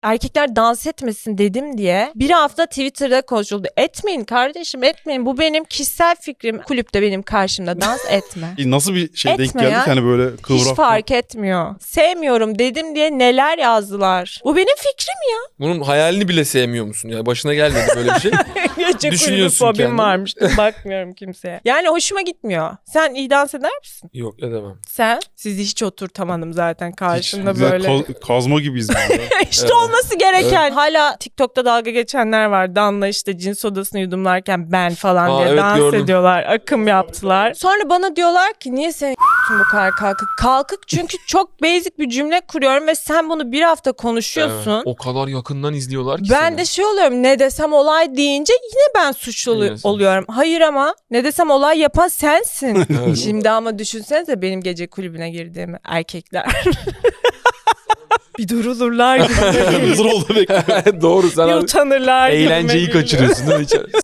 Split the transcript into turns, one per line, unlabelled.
erkekler dans etmesin dedim diye bir hafta Twitter'da konuşuldu. Etmeyin kardeşim, etmeyin. Bu benim kişisel fikrim. Kulüpte benim karşımda dans etme.
Nasıl bir şey denk
Etme
geldi
ya.
ki hani böyle kıvrak?
Hiç fark etmiyor. Sevmiyorum dedim diye neler yazdılar. Bu benim fikrim ya.
Bunun hayalini bile sevmiyor musun? Ya başına gelmedi böyle bir şey.
Gece kulübü
Düşünüyorsun
fobim
kendini.
varmış. Bakmıyorum kimseye. Yani hoşuma gitmiyor. Sen iyi dans eder misin?
Yok edemem.
Sen? Sizi hiç oturtamadım zaten karşımda
Hiç,
böyle.
Kazma gibiyiz biz.
İşte
Evet.
olması gereken. Hala TikTok'ta dalga geçenler var. Danla işte cin sodasını yudumlarken ben falan
Aa,
diye
evet,
dans
gördüm.
ediyorlar. Akım yaptılar. Sonra bana diyorlar ki niye senin bu kadar kalkık? Kalkık çünkü çok basic bir cümle kuruyorum ve sen bunu bir hafta konuşuyorsun.
Evet. O kadar yakından izliyorlar ki
Ben
seni.
de şey oluyorum, ne desem olay deyince yine ben suçlu
Yine sen.
oluyorum. Hayır ama ne desem olay yapan sensin.
Evet.
Şimdi ama düşünsenize benim gece kulübüne girdiğimi erkekler. Bir durulurlar gibi.
Hazır oldu bekle.
Doğru sen
Bir
abi
utanırlar gibi.
eğlenceyi kaçırıyorsun değil mi?